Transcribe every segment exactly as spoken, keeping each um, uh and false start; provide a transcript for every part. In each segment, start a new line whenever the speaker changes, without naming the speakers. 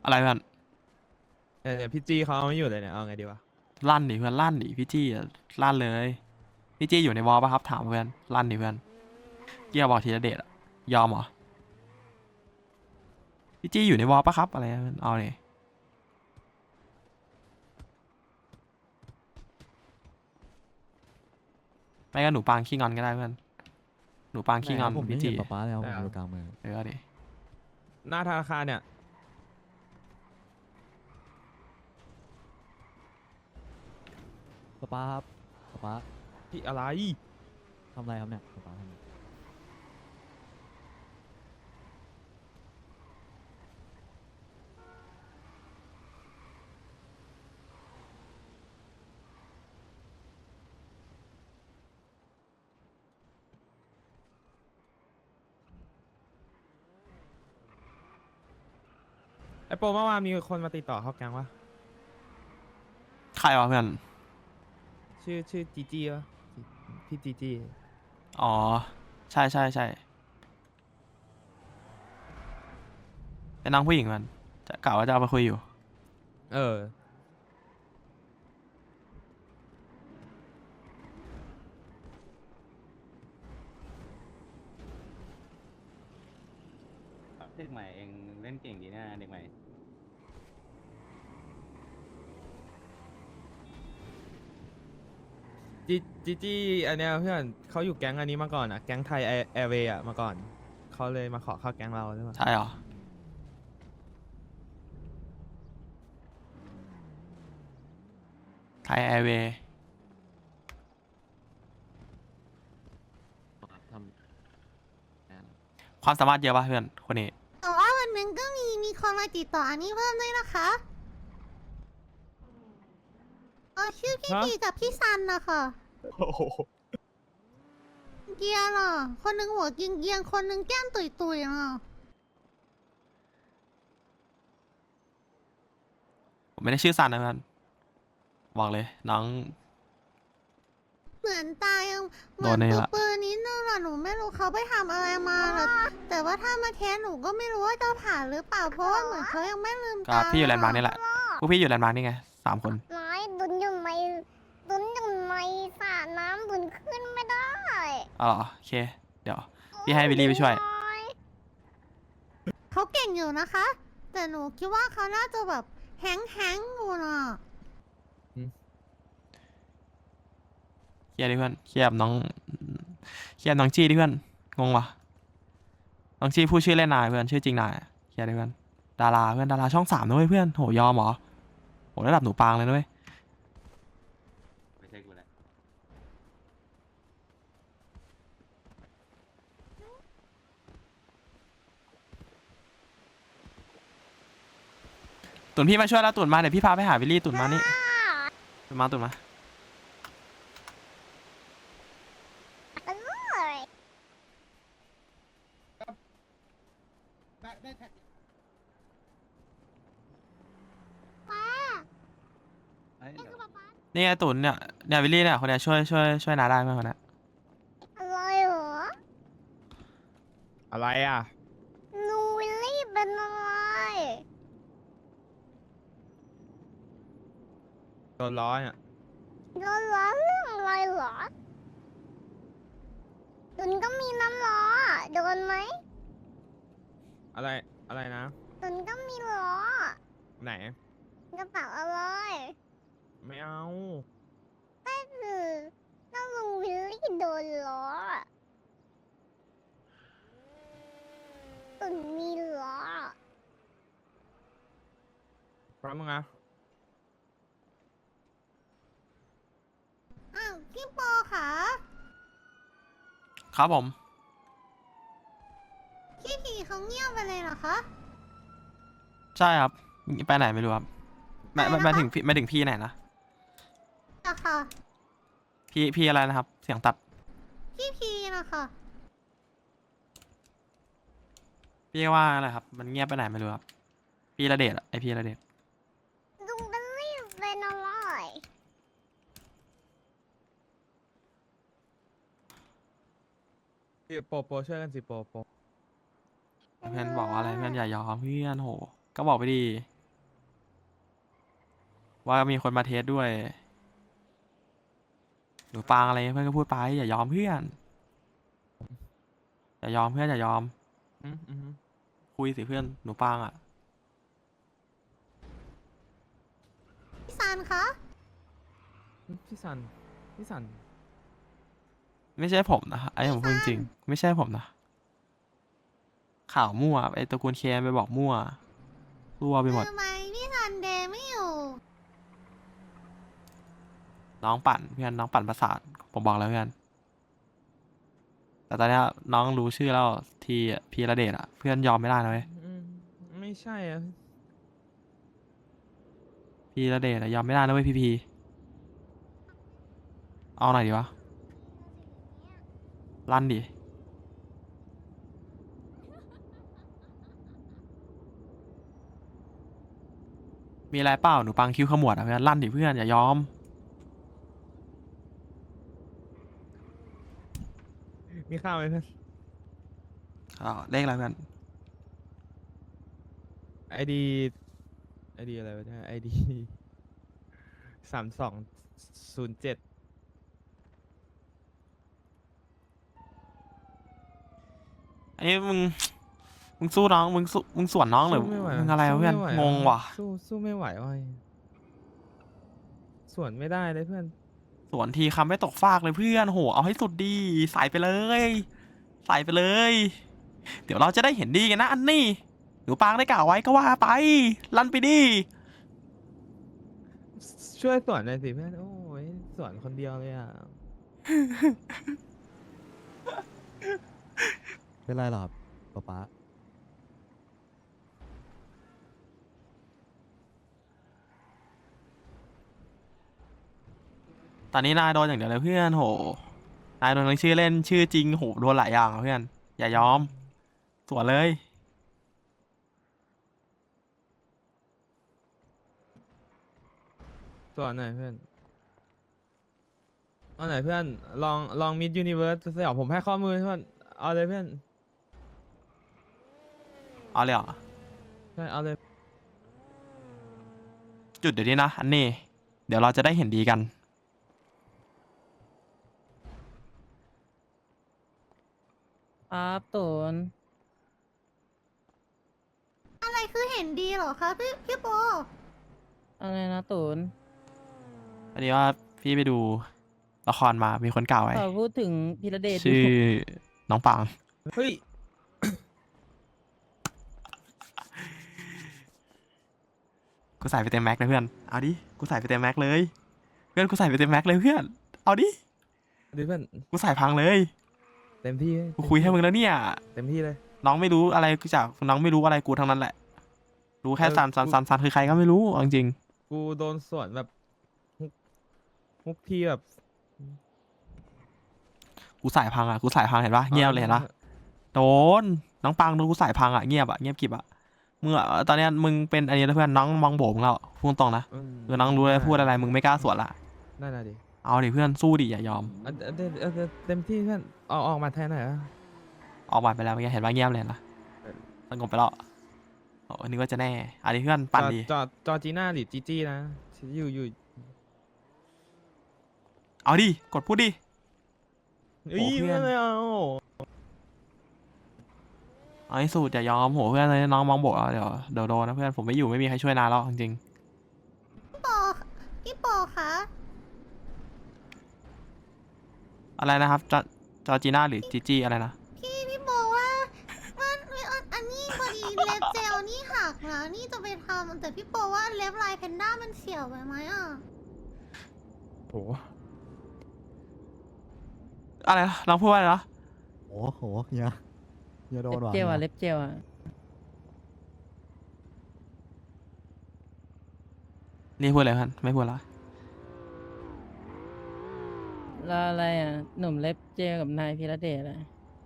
อะไรเพื่อน
เดี๋ยวพี่จี้เขาเอาไม่อยู่เลยเนี่ยเอาไงดีวะ
ลั่นดิเพื่อนลั่นดิพี่จี้อะลั่นเลยพี่จี้อยู่ในวอลปะครับถามเพื่อนลั่นดิเพื่อนเกียร์บอกทีละเดชอะยอมเหรอพี่จี้อยู่ในวอลปะครับอะไรอะเพื่อนเอาเนี่ยไม่ก็หนูปางขี้งอนก็ได้เพื่อนหนูปาง
ไหน
ขี้งอน
ผมไม่
พี่จี้
เห็นป๊าป๊าแล้วผ
ได้เหรอ
มอยู่กลางเมือง
เออเอาดิ
หน้าธนาคารเนี่ย
ป๊าป๊าครับป๊าป๊า
พี่อะไร
ทำอะไรครับเนี่ยป๊าป๊าทำอะไร
ไอโปรเมื่อวานมีคนมาติดต่อเข้าแก๊งวะ
ใครวะเพื่อน
ชื่อชื่อจีจี้วะพี่จีจี้
อ๋อใช่ใช่ใช่เป็นน้องผู้หญิงมันจะกล่าวว่าจะเอาไปคุยอยู่
เออ
เด็กใหม่เองเล่นเก่งดีนะเด็กใหม่
จีจีจี้อันเนี้ยเพื่อนเขาอยู่แก๊งอันนี้มาก่อนอ่ะแก๊งไทยแอร์เวย์อ่ะมาก่อนเขาเลยมาขอเข้าแก๊งเราใช่ปะ
ใช่เหรอไทยแอร์เวย์ความสามารถเยอะป่ะเพื่อนคนนี้
แต่ว่าวันหนึ่งก็มีมีคนมาติดต่ออันนี้เพิ่มด้วยนะคะเออชื่อพี่พีกับพี่ซันนะคะ
โอ้โห
เกียร์น่ะคนหนึ่งหัวเกียงเกียงๆคนหนึ่งแก้มตุยตุยๆน่ะ
ผมไม่ได้ชื่อซันนะเพื่อนบอกเลยน้อง
เหมือนตายังเหมื
โด
อน
นนี่
ปืน
ละ
ปืนนิดนึงอะหนูไม่รู้เขาไปทำอะไรมาแต่แต่ว่าถ้ามาแทนหนูก็ไม่รู้ว่าจะผ่านหรือเปล่าเพราะว่าเหมือนเขายังไม่ลืม
ก็
ตา
พี่อยู่แลนด์มาร์กนี่แหละพวกพี่อยู่แลนด์มาร์กนี่ไงสามคน
น้อยดุนอยู่ในดุนอยู่ในสระน้ำดุนขึ้นไม่ได้
อ๋อเหรอโอเค เดี๋ยว พี่ให้บิลลี่ไปช่วย
น้อย
เขาเก่งอยู่นะคะ แต่หนูคิดว่าเขาน่าจะแบบแฮงแฮงๆอยู่น่ะ
เคลียร์ดิเพื่อนเคลียร์กับน้องเคลียร์น้องจี้ดิเพื่อนงงวะน้องจี้พูดชื่อเล่นนายเพื่อนชื่อจริงนายเคลียร์ดิเพื่อนดาราเพื่อนดาราช่องสามนะเว้ยเพื่อนโหยอมเหรอโหระดับหนูปางเลยนะเว้ย
ไม่ใช่กูแหละ
ตุนพี่มาช่วยแล้วตุนมาเดี๋ยวพี่พาไปหาบิลลี่ตุนมานี่ตุนมาตุนมา
อร่อย ป้า
เอ้ย
นี่
เดี๋ยว
คือป๊าป๊า
นี่ไงตุนเนี่ยเนี่ยบิลลี่เนี่ยคนเนี้ยช่วยช่วยช่วยนาได้ไหมคนเนี้ย
อร่อยเหรอ
อะไรอ่ะ
นูวิลลี่เป็นอะไร
โดนร้อยอ่ะ
โดนล้อเรื่องอะไรเหรอดุนก็มีน้ำล้อโดนไหม
อะไรอะไรนะ
ดุนก็มีล้อ
ไหน
กระเป๋าอะไร
ไม่เอา
ก็คือถ้าลุงวิลลี่โดนล้อตุนมีล้อ
พร้อมมึงอ่ะ
อ้าวพี่โปค่ะ
ครับผม
พี่พีเขาเงียบไปเลยเหรอคะ
ใช่ครับไปไหนไม่รู้ครับไม่ไม่
ไป
ไม่
นะคะ
ถึงพี่ไม่ถึงพี่ไหนนะ
อะค่ะ
พี่พี่อะไรนะครับ เสียงตัด
พี่พีนะคะ
พี่ว่าอะไรครับ มันเงียบไปไหนไม่รู้ครับ พี่ระเดชอะไอพี่ระเดช
ลุงวิลลี่เป็นอะไร
พี่โปรโปรช่วยกันสิโปรโปร
เพื่อนบอกว่าอะไรเพื่อนอย่ายอมเพื่อนโห ก็บอกไปดีว่ามีคนมาเทสด้วยหนูปางอะไรเพื่อนก็พูดไปอย่ายอมเพื่อนอย่ายอมเพื่อนอย่ายอม
อืมอืม
คุยสิเพื่อนหนูปางอ่ะ
พี่ซันคะ
พี่สันพี่สัน
ไม่ใช่ผมนะไอ้ผมพูดจริงๆไม่ใช่ผมนะข่าวมั่วไอ้ตระกูลเคนไปบอกมั่วรั่วไปหมด
ทำไมพี่ซันเดย์ไม่อยู่
น้องปั่นเพื่อนน้องปั่นประสาทผมบอกแล้วเพื่อนแต่ตอนเนี้ยน้องรู้ชื่อแล้วทีพีระเดชอะเพื่อนยอมไม่ได้นะเว้ย
อืมไม่ใช่อ่ะ
พีระเดชอะยอมไม่ได้นะเว้ยพีพีเอาหน่อยดีวะลั่นดิมีอะไรเปล่าหนูปังคิ้วขมวดอะเพื่อนลั่นดิเพื่อนอย่ายอม
มีข้าวไหมเพื่อน
อ้าวเลขอะไรเพื่อน
ไอดีไอดีอะไรวะเนี่ยไอดีสามสองศูนย์เจ็ด
อันนี้มึงมึงสู้น้องมึงสู้มึงสวนน้องหรือ
สู้ไม่ไหว
มึงอะไรวะเพื่อน
สู้ม่ไห
งงว่ะ
สู้สู้ไม่ไหวว่ะส่วนไม่ได้เลยเพื่อน
สวนทีคำไม่ตกฟากเลยเพื่อนโหเอาให้สุดดีใส่ไปเลย ใส่ไปเลย เดี๋ยวเราจะได้เห็นดีกันนะอันนี้หนูปางได้กล่าวไว้ก็ว่าไปลั่นไปดิ
ช่วยสวนหน่อยสิเพื่อนโอ้ยสวนคนเดียวเลยอ่ะ
เป็นไรหรอครับป๊าป๊า
ตอนนี้นายโดนอย่างเดียวเลยเพื่อนโหนายโดนทั้งชื่อเล่นชื่อจริงโหโดนหลายอย่างอะเพื่อน อย่ายอมสวนเลย
สวนหน่อยเพื่อนเอาหน่อยเพื่อนลองลองมิดยูนิเวิร์สสยองผมให้ข้อมือเพื่อนเอาเลยเพื่อน
เอาเลยเหรอ
ใช่เอาเลย
จุดเดี๋ยวนี้นะอันนี้เดี๋ยวเราจะได้เห็นดีกัน
ครับตูน
อะไรคือเห็นดีเหรอคะพี่พี่โป
อะไรนะตูน
อันนี้ว่าพี่ไปดูละครมามีคนกล่าวไว้
ขอพูดถึงพิระเดช
ชื่อน้องปาง
เฮ้ย
กูใส่ไปเต็มแม็กเลยเพื่อนเอาดิกูใส่ไปเต็มแม็กเลย เพื่อนกูใส่ไปเต็มแม็กเลยเพื่อนเอาดิ
ดิเพื่อน
กูใส่พังเลย
เต็มที่
กูคุยให้มึงแล้วเนี่ย
เต็มที่เลย
น้องไม่รู้อะไรกูจากน้องไม่รู้อะไรกูทั้งนั้นแหละ รู้แค่
เออ
ซันซัน
กู
ซันซันคือใครก็ไม่รู้เอาจริง
กูโดนสวนแบบฮุกฮุกทีแบบ
ๆกูใส่พังอ่ะกูใส่พังเห็นปะเงียบเลยเห็นปะโดนน้องปังโดนกูใส่พังอ่ะเงียบอ่ะเงียบกริบอ่ะมึงอ่ะตอนเนี้ยมึงเป็นอันนี้แล้วเพื่อนน้องมองโบมึงแล้วพูดตรงนะ
อืม
คือน้องรู้เลยพูดอะไรมึงไม่กล้าสวนละ
นั่นน่ะดิ
เอาดิเพื่อนสู้ดิอย่ายอม
เอาเอาเอาเอาเอาเต็มที่เพื่อนเอาออกมาแทนหน่อยอะ
ออกบัตรไปแล้วเมื่อกี้เห็นว่าเงียบเลยนะสงบไปแล้วโอ้นึกว่าจะแน่อันนี้เพื่อนปั่นดี
จอจอจีน่าหรือจีจี้นะอยู่อยู่
เอาดิกดพูดดิ
เอ้ย
โอ้เพื่อน
ไม่เอา
เอาให้สุดอย่ายอมโหเพื่อนเลยน้องมองโบเอาเดี๋ยวเดี๋ยวโดนนะเพื่อนผมไม่อยู่ไม่มีใครช่วยนายแล้วจริง
พี่โปพี่โปคะ
ๆอะไรนะครับจอจอจีน่าหรือจีจีอะไรนะ
พี่พี่โปว่ามันอันอันนี้พอดีเล็บเจลนี่หักนะนี่จะไปทำแต่พี่โปว่าเล็บลายแพนด้ามันเฉียวไปไหมอ่ะ
โห
อะไรนะน้องพูดว่าอะไรนะ
โอ้โหเฮียเฮียโด
เล็
น
บ
ว่ะ
เจลอ่ะ
ฮีย
เล็บเจลอ่ะ
นี่พูดอะไรเพื่อนไม่พูดละ
แล้วอะไรอ่ะ หนุ่มเล็บเจลกับนายพิระเดชอ่ะ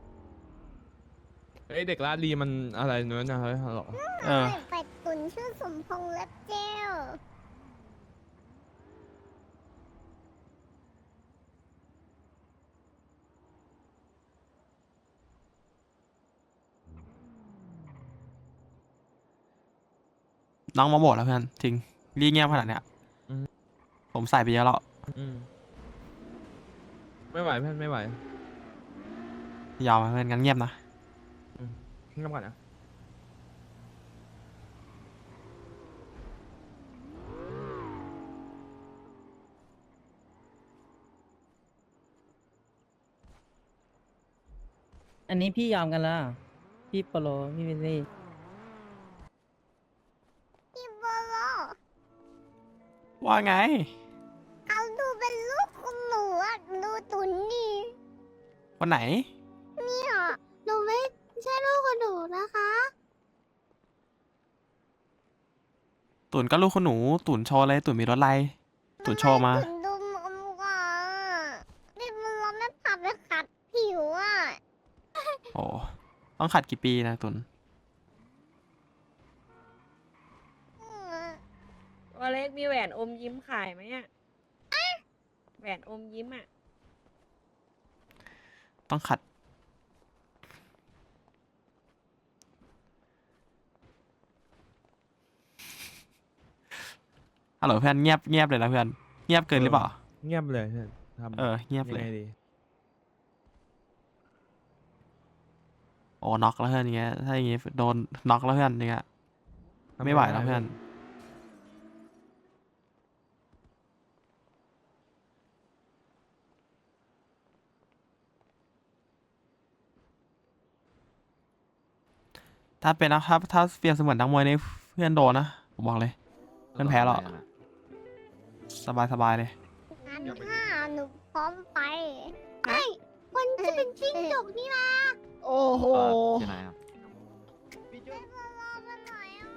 เอ้ยเด็กลาดลีมันอะไรเนื้อนะเฮ้ยฮัลโหล
เออ
เป็ดตุ๋นชื่อสมพงษ์เล็บเจล
น้องมองโบแล้วเพื่อนจริงรีเงียบขนาดเนี้ย
อื
ผมใส่ไปเยอะแล้ว
อืมไม่ไหวเพื่อนไม่ไหวย
อมอะเพื่อนงั้นเงียบนะ
เงียบก่อนนะ
อันนี้พี่ยอมกันแล้วเหรอพี่โปโลพี่วิลลี่
พี่โบโล
ว่าไง
เขาดูเป็นลูกคุณหนูอะดูตุนดี
วันไหน
เนี่ย
หนูไม่ใช่ลูกของหนูนะคะ
ตุ่นก็ลูกคุณหนู ตุ่นโชว์เลยตุ่นมีรถอะไรตุ่นโชว์มา
ตุนดูมอมกว่านี่มันเราไม่พาไปขัดผิวอ่ะ
โอ้ต้องขัดกี่ปีนะตุ่น
อืม
ตัวเล็กมีแหวนอมยิ้มขายไหมอ่ะแหวนอมยิ้มอ่ะ
ต้องขัด ฮัลโหลเพื่อนเงียบเงียบเลยนะเพื่อน เงียบเกินหรือเปล่า
เงียบเลยเพื่อนทำ
เออ เงียบ
ยัง
เลย
ไงดี
โอ้น็อกแล้วเพื่อนอย่างเงี้ย ถ้าอย่างงี้โดนน็อกแล้วเพื่อนอย่างเงี้ย
ทำ
ไม่ไหว
ด้
แล้วเพื่อน ถ้าเป็นนะถ้าถ้าเปรียบเสมือนนักมวยนี่เพื่อนโดนนะ ผมบอกเลย เพื่อนแพ้หรอก สบายสบายเลย
งั้นถ้าหนูพร้อมไป
ไอ้มันจะเป็นจิ้งจกนี่นะ
โอ้โห
ที่ไหนครับ
พี่โบโลไปไหนอ่ะ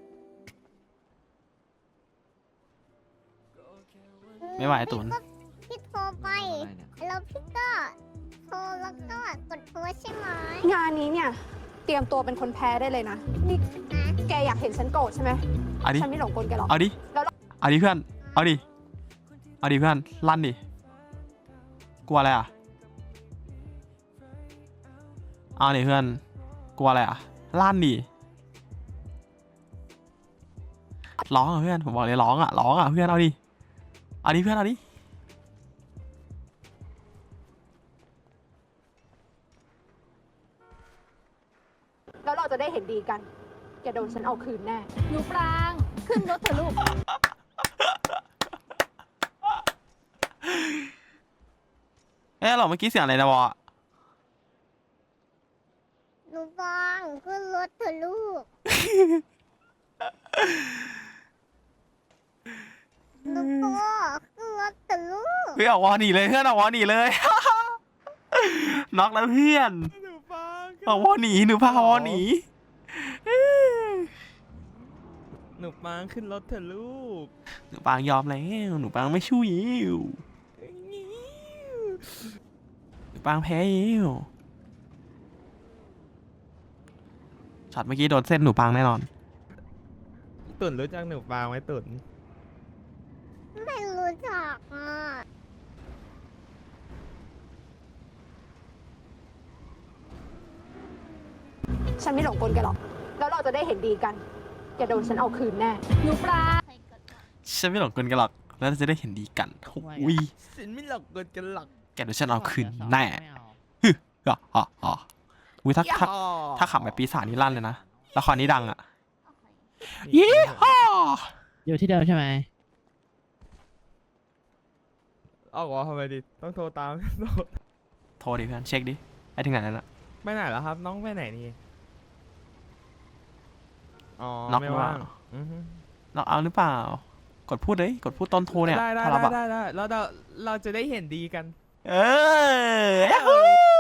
ไม่ไหวตุน
พี่โทรไป แล้วพี่ก็โทรแล้วก็กดโทรใช่ไหม
งานนี้เนี่ย เตรียมตัวเป็นคนแพ้ได้เลยนะ นี่แกอยากเห็นฉันโกรธใช่ไหม
เอาดิ
ฉันไม่หลงกลแกหรอก
เอาดิ เอาดิเพื่อน เอาดิ เอาดิเพื่อน ลั่นดิ กลัวอะไรอ่ะ เอาดิเพื่อน กลัวอะไรอ่ะ ลั่นดิ ร้องอ่ะเพื่อน ผมบอกเลยร้องอ่ะ ร้องอ่ะเพื่อน เอาดิ เอาดิเพื่อน เอาดิ
แล้วเราจะได้เห็นดีกัน แกโดนฉันเอาคืนแน่
หนูปราง ขึ้นรถเถอะลูก
เอ๊ะเราเมื่อกี้เสียงอะไรนะวะ
หนูปรางขึ้นรถเถอะลูก หนูโปขึ้นรถเถอะลูก
เฮ้ยเอาวอหนีเลยเพื่อนเอาวอหนีเลย น็อกแล้วเพื่อน
หนูฟัง
เอาวอหนีหนูพาวอหนี
หนูปังขึ้นรถเถอะลูก
หนูปางยอมแล้วหนูปางไม่ชู้ยิวหนูปางแพ้ยิวช็อตเมื่อกี้โดนเส้นหนูปางแน่นอน
ตุ่นรู้จักหนูปังไหมตุ่น
ไม่รู้จักอ่ะ
ฉันไม่หลงกลแกหรอก แล้วเราจะได้เห็นดีกัน แกโดนฉันเอาคืนแน่
หนูปลา
ฉันไม่หลงกลกันหรอกแล้วเราจะได้เห็นดีกันอุ้ย
สินไม่หลอกเกินกันหลัก
แกเดี๋ยวฉันเอาคืนแน่ฮึอ่ะอ่ะอ่ะอุ้ยถ้าถ้าถ้าขับแบบปีศาจนี่ลั่นเลยนะละครนี้ดังอ่ะยี่ห้อ
อยู่ที่เดิมใช่ไหม
เอาวะทำไมดิ ต้องโทรตาม
โทรดิเพื่อนเช็คดิไปถึงไหนแล้วน่ะ
ไปไหนแล้วครับ น้องไปไหนนี่ อ๋อ
น็อก
ไม่
หรือเป
ว่า
ล่าง
อือฮึ
น็อกเอาหรือเปล่า กดพูดเลยกดพูดตอนโทรเนี่ย
ได้ได้
ถ้ารับ
ได้
อะ
ได้ได้แล้วเราเราจะได้เห็นดีกัน
เออยัฮู้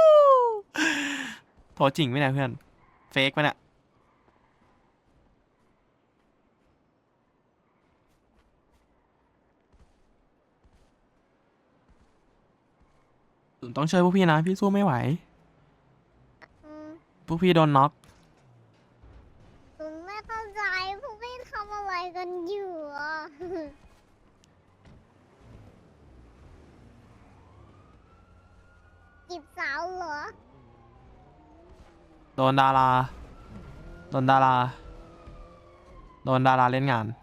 โทรจริงไหมเนี่ยเพื่อน เฟกไหมเนี่ยต้องช่วยพวกพี่นะ พี่สู้ไม่ไหว
อืม
พวกพี่โดนน็อก
หนูไม่เข้าใจพวกพี่ทำอะไรกันอยู่อ่ะ จีบสาวเหรอ
โดนดารา โดนดารา โดนดาราเล่นงาน